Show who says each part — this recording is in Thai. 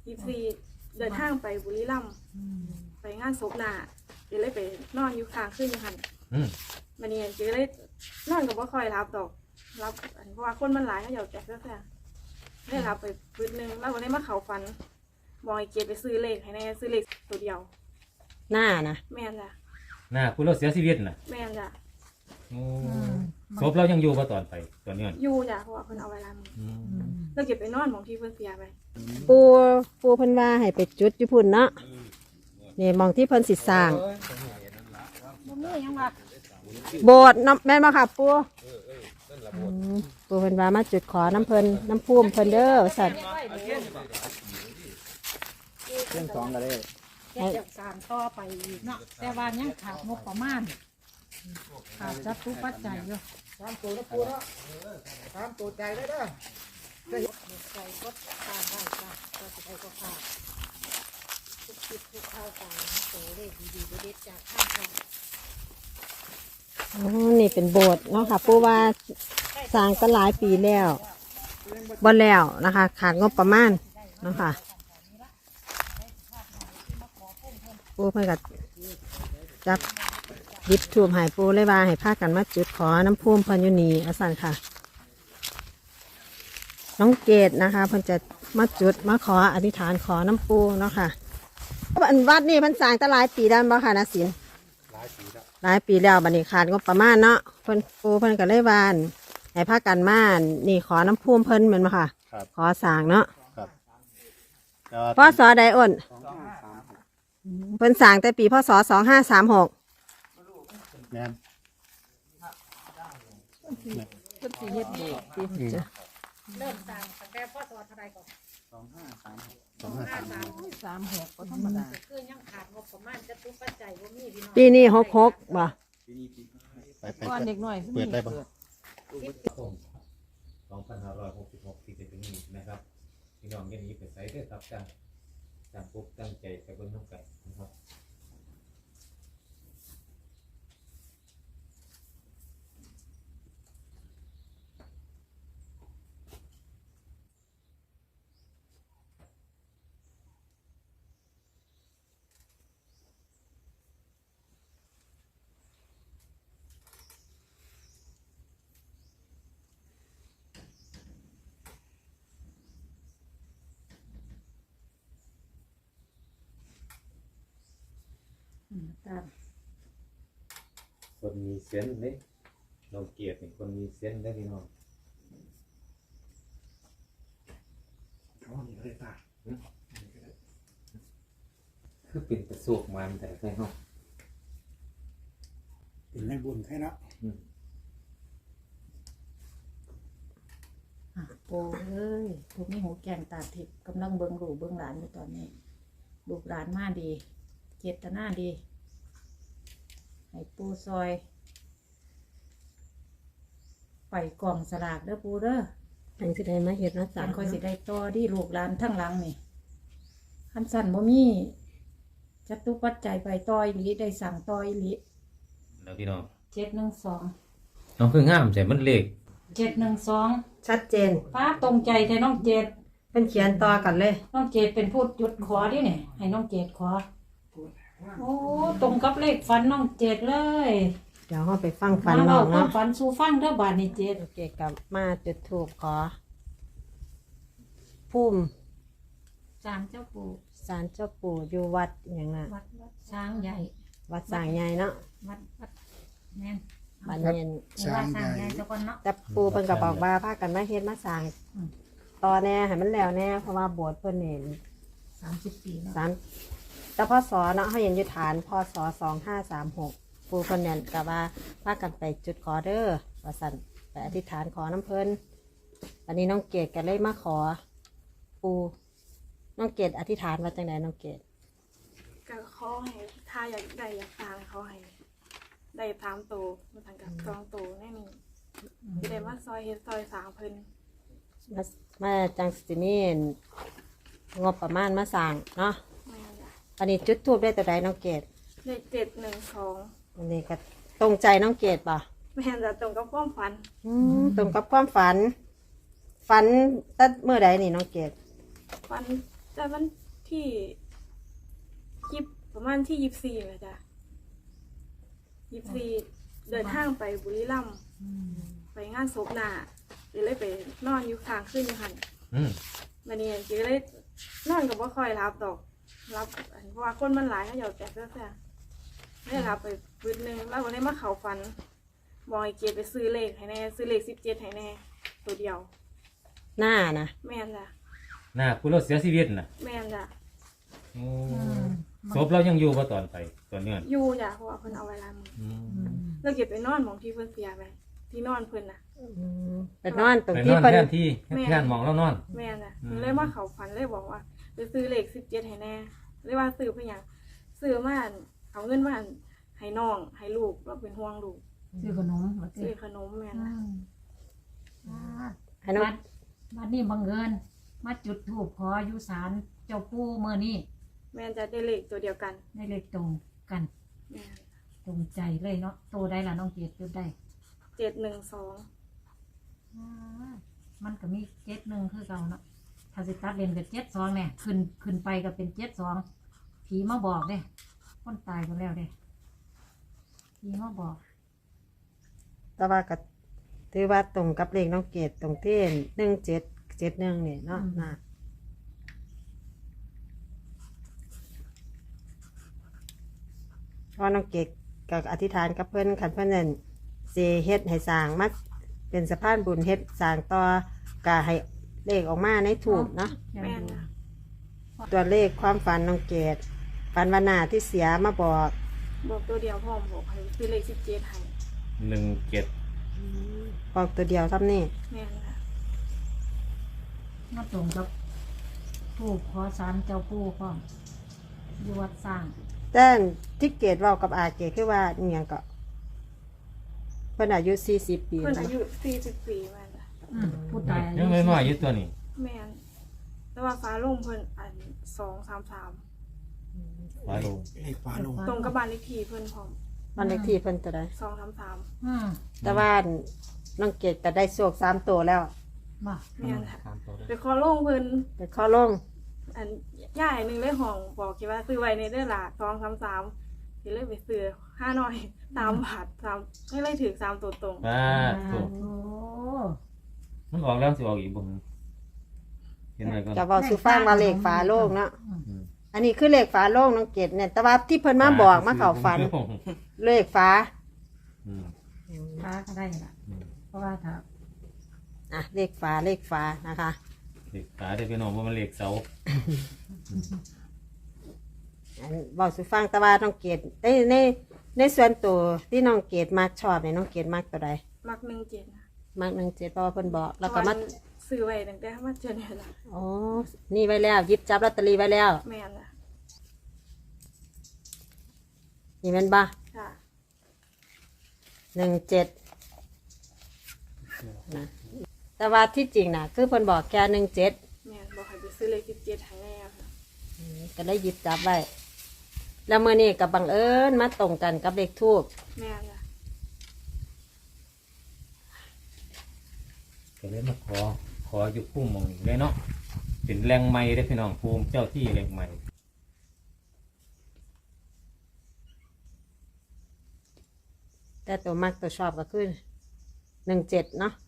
Speaker 1: เดินทางไปบุรีรัมย์ไปงานศพหน้าเดี๋ยวเลยไปนอนอยู่ค้างคืนอยู่หันมันนี่เดี๋ยวเลยนอนกับว่าคอยรับดอกรับเพราะว่าคนมันหลายเขาอยากแจกแค่ได้รับไปปืนนึงแล้ววันนี้มาเขาฟันบอยเกียรไปซื้อเลขให้แน่ซื้อเลขตัวเดียว
Speaker 2: หน้านะ
Speaker 1: แม่นจ้ะ
Speaker 3: น่าคุณเราเสียชีวิตน่ะ
Speaker 1: แม่นจ้ะ
Speaker 3: ศพเรายังอยู่ป่ะตอนไปตอนนี้
Speaker 1: อยู่จ้ะเพราะว่าเพิ่นเอาไว้ร้านแล้วเก็บไปนอนของที่เพิ่นเสียไป
Speaker 2: ปูเพิ่นว่าให้ไปจุดอยู่พุ่นเนาะนี่มองที่เพิ่นสิสร้างโบสถ์แม่นบ่ค่ะปูเพิ่นว่ามาจุดขอน้ำเพิ่นน้ำพุ่มเพิ่นเด้อสัตว์
Speaker 4: เรื่องสองก็ได้
Speaker 5: จะสานต่อไปอีกเนาะแต่ว่ายังขาดงบประมาณขาดจับผู้ปัจจัยอยู่
Speaker 4: 3 ตัวแล้วปูเนาะ3 ตัวใจได้เด้อ
Speaker 5: ใจก็ขาดได้จ้ะก็จะได้ก็ขาดทุกคิดทุกเข้าใจโตเลขดีๆเด็ดจากข้างทาง
Speaker 2: นี่เป็นโบสถ์เนาะค่ะปูว่าสร้างกันหลายปีแล้วบ่แล้วนะคะขาดงบประมาณเนาะค่ะปูเพิ่นก็จับยิบทูบให้ปูเลยว่าให้พากันมาจุดขอน้ำพุ่มเพิ่นอยู่นี่อาสันค่ะน้องเกดนะคะเพิ่นจะมาจุดมาขออธิษฐานขอน้ำปูเนาะค่ะวัดนี่เพิ่นสร้างตั้งหลายปีแล้วบ่ค่ะนะศิลป์หลายปีแล้วบัดนี้ขาดงบประมาณเนาะเพิ่นปูเพิ่นก็เลยว่าให้พากันมานี่ขอน้ำพุ่มเพิ่นเหมือนบ่ค่ะขอสร้างเนาะพศใดอ้นเพิ่นสร้างแต่ปีพศ2536
Speaker 4: แม่น
Speaker 5: เพิ่นสิเฮ็ดโบสถ์เริ่มสร้างตั้งแต่พศเท่าใดก่อน2536ก็ธรรมดาคือยังขาดงบประมาณจะทุกปัจจัยบ่มีพี่น้อง
Speaker 2: ปีนี้66บ่
Speaker 5: ก่อนเด็กน้อย
Speaker 4: เปิดได้บ่
Speaker 3: 2566ที่จะถึงนี้นะครับพี่น้องอย่าหนีไปไสเด้อครับตั้งปุ๊บตั้งใจไปเบิ่งน้ำไก่นะครับคนมีเซนส์เลยน้องเกียรติเป็นคนมีเซนส์ได้พี่น้องคือเป็นประสบมันแต่ไม่ห้อง
Speaker 4: เป็นในบุญแค่นั้น
Speaker 5: โอ้เอ้ยพวกนี้หูแกงตาทิพย์กำลังเบิ่งลูกเบิ่งหลานอยู่ตอนนี้ลูกหลานมาดีเจตนาดีให้ปูซอยไปกล่องสลากเด้อปูเด้อ
Speaker 2: อันสิได้มาเฮ็ดนะจ๊ะ
Speaker 5: ค่อยสิได้ต่อที่ลูกหลานทั้งหลังนี่คันสั่นบ่มีจัตุปัจจัยไปต่ออีหลีได้สั่งต่ออีหลี
Speaker 3: แล้วพี่น้อง
Speaker 5: 712
Speaker 3: น้องคืองามใจมันเลข
Speaker 5: 712
Speaker 2: ชัดเจน
Speaker 5: ป้าตรงใจแต่น้องเจด
Speaker 2: เป็นเขียนต่อกันเลย
Speaker 5: น้องเจดเป็นผู้จุดขอดิเนี่ยให้น้องเจดขอโอ้ตรงกับเลขฝันน้องเจดเลย
Speaker 2: เดี๋ยวเราไปฟังฝันน้
Speaker 5: อ
Speaker 2: ง
Speaker 5: เนาะฝันสู่ฟังเด้อบาดนี้เจด
Speaker 2: เกี่ยวกับมาจุดธูปขอพุ่ม
Speaker 5: ศาลเจ้าปู่
Speaker 2: ศาลเจ้าปู่อยู่วัดอย่างน่ะ
Speaker 5: วัดช้างใหญ่
Speaker 2: วัดสร้างใหญ่เนาะ
Speaker 5: วัดแม่น
Speaker 2: บ้านเย็น
Speaker 5: ช้างใหญ่เจ้าก่อนเนาะ
Speaker 2: แต่ปู่เพิ่นก็บอกว่าพากันมาเฮ็ดมาสร้างต่อแน่ให้มันแล้วแน่เพราะว่าโบสถ์เพิ่นนี่
Speaker 5: 30 ปีแล้ว
Speaker 2: แต่พศเนาะเฮาเห็นอยู่ฐานพศ2536ปู่เพิ่นเนี่ยก็ว่าพากันไปจุดขอเด้อว่าซั่นไปอธิษฐานขอน้ำเพิ่นอันนี้น้องเกดก็เลยมาขอปู่น้องเกดอธิษฐานว่าจังไดน้องเกด
Speaker 1: ก็ขอให้ถ้าอยากได้อยากฟังเขาให้ได้3ตัวมาทางกับ2ตัวแน่นี่สิได้มาซอยเฮ็ดซอยสร้างเพิ่น
Speaker 2: มาจังสิมีงบประมาณมาสร้างเนาะอันนี้จุดธูปได้แต่ใดน้องเกด
Speaker 1: ได้712
Speaker 2: อันนี้ก็ตรงใจน้องเกดป่ะ
Speaker 1: แม่นจะตรงกับความฝัน
Speaker 2: ตรงกับความฝันตั้งเมื่อใดนี่น้องเกด
Speaker 1: ฝันแต่วันที่ประมาณที่24เลยจ้ะ24เดินทางไปบุรีรัมย์ไปงานศพน่ะเดี๋ยวเลยไปนอนอยู่ค้างคืนอยู่หัน วันนี้จีก็เลยนอนกับว่าคอยรับดอกรับเพราะว่าคนมันหลายเขาอยากแจกเสื้อไม่ได้รับไปปืนหนึ่งแล้ววันนี้มาเขาฟันบอกไอ้เกียรไปซื้อเลขให้แน่ซื้อเลข17ให้แน่ตัวเดียว
Speaker 2: หน้านะ
Speaker 1: แม่นจ้ะ
Speaker 3: หน้าคุณเราเสียชีวิตน่ะ
Speaker 1: แม่นจ้ะ
Speaker 3: โอ้ศพเรายังอยู่ป่ะตอนไปตอนเนี้ย
Speaker 1: อยู่จ้ะเพราะว่าเพิ่นเอาไว้ลายมือแล้วเก็บไปนอนหมองที่เพิ่นเสียไปที่นอนเพิ่นน่ะ
Speaker 2: ไปนอนตรง
Speaker 3: ไปน
Speaker 2: ที่
Speaker 3: อน
Speaker 2: เพิ่น
Speaker 3: แทนที่แทนหมองแล้วนอน
Speaker 1: แม่นจ้ะเลยมาเขาฟันเลยบอกว่าไปซื้อเลข17ให้แน่เลยว่าซื้อเพื่อหยังซื้อมาเอาเงินมาให้น้องให้ลูกเราเป็นห่วงลูก
Speaker 5: ซื้อขนมมา
Speaker 1: ซื้อขนมแม่นจ้ะ
Speaker 2: ให้น้อง
Speaker 5: วันนี้บังเอิญมาจุดธูปขออยู่ศาลเจ้าปู่เมื่อนี้
Speaker 1: แม่นจะได้เลขตัวเดียวกัน
Speaker 5: ได้เลขตรงกัน
Speaker 1: แม่น
Speaker 5: ตรงใจเลยเนาะโตได้ละน้องเกียรติจุดได้
Speaker 1: 712
Speaker 5: มันก็มี71คือเก่าเนาะถ้าสิตัดเลนกับ72เนี่ยขึ้นไปก็เป็น72ผีมาบอกเด้คนตายไปแล้วเด้ผีมาบอก
Speaker 2: แต่ว่าก็ถือว่าตรงกับเลขน้องเกดตรงที่1771นี่เนาะนะเพราะน้องเกดก็อธิษฐานกับเพิ่นขันเพิ่นนั่นสิเฮ็ดให้สร้างมาเป็นสะพานบุญเฮ็ดสร้างต่อก็ให้เลขออกมาในถูกเนาะ
Speaker 1: แม่นนะ
Speaker 2: ตัวเลขความฝันน้องเกดฝันวันหน้าที่เสียมาบอก
Speaker 1: บอกตัวเดียวพ่อมบอกให้ซื้อเลข17ให้
Speaker 3: 17
Speaker 2: บอกตัวเดียวเท่านี้
Speaker 1: แม่นนะ
Speaker 5: มาตรงกับผู้ขอศาลเจ้าปู่พร้อมอยู่วัดสร้าง
Speaker 2: แต่ที่เกดเว้ากับอาเกดคือว่าอหยังก็เพิ่นอายุ40 ปี
Speaker 1: เพิ่น
Speaker 2: แล้ว
Speaker 1: อายุ44แม่นนะ
Speaker 5: ผู้ตายอา
Speaker 3: ยังน้อยๆอยู่ตัวนี้
Speaker 1: แม่นแต่ว่าฟ้าลงเพิ่นอัน233
Speaker 3: ฟ้าลง
Speaker 4: เลขฟ้าลง
Speaker 1: ตรงกับบ้านเลขที่เพิ่นพร้อม
Speaker 2: บ้านเลขที่เพิ่นตัวใด
Speaker 1: 233
Speaker 2: แต่ว่าน้องเกดก็ได้โชค3ตัวแล้ว
Speaker 5: มา
Speaker 1: แม่นค่ะไปขอลงเพิ่น
Speaker 2: ไปขอลง
Speaker 1: อันย่ายหนึงเลยห้องบอกคิดว่าซื้อไว้ในเด้อล่ะ233สิเลยไปซื้อ5หน่อย3 บาท3ให้เลยถือ3ตัวตรง
Speaker 3: ฟ้าถูก
Speaker 5: โอ้
Speaker 3: มันออกแล้วสิออกอีกบ่เห็นไหมก่อน
Speaker 2: จะเว้าสู่ฟังว่าเลขฝาโลงเนาะอันนี้คือเลขฝาโลงน้องเกดเนี่ยแต่ว่าที่เพิ่นมาบอกมาเข้าฝันเลขฝา
Speaker 3: อืม
Speaker 5: ฟ้าก็ได้ละเพราะว่าถ้า
Speaker 2: อ่ะเลขฝานะคะ
Speaker 3: เด็กขาได้พี่น้องว่ามันเหล็กเสา
Speaker 2: อันเว้าสู่ฟังแต่ว่าน้องเกดในส่วนตัวที่น้องเกดมักชอบเนี่ยน้องเกดมักตัวใด
Speaker 1: มัก17นะ
Speaker 2: มัก17เพราะว่าเพิ่นบอกแล้วก็มา
Speaker 1: ซื้อไว้ตั้งแต่มาเจอเนี่ยล่ะ
Speaker 2: อ๋อนี่ไว้แล้วหยิบจับลอตเตอรี่ไว้แล้ว
Speaker 1: แม่นน่ะ
Speaker 2: นี่แม่นบ่
Speaker 1: ค่ะ
Speaker 2: 17นะแต่ว่าที่จริงน่ะคือเพิ่นบอกแค่17
Speaker 1: แม่นบอกให้ไปซื้อเลข17ให้แน่ค่ะ
Speaker 2: ก็ได้หยิบจับไว้แล้วมื้อนี้ก็บังเอิญมาตรงกันกับเลขทูป
Speaker 1: แม่นน่ะ
Speaker 3: ก็เลยมาขออยู่พุ่มมองนี้เลยเนาะเป็นแรงไม้ได้อพี่น้องภูมิเจ้าที่แรงไม้
Speaker 2: แต่ตัวมักตัวชอบก็คือ17เนาะ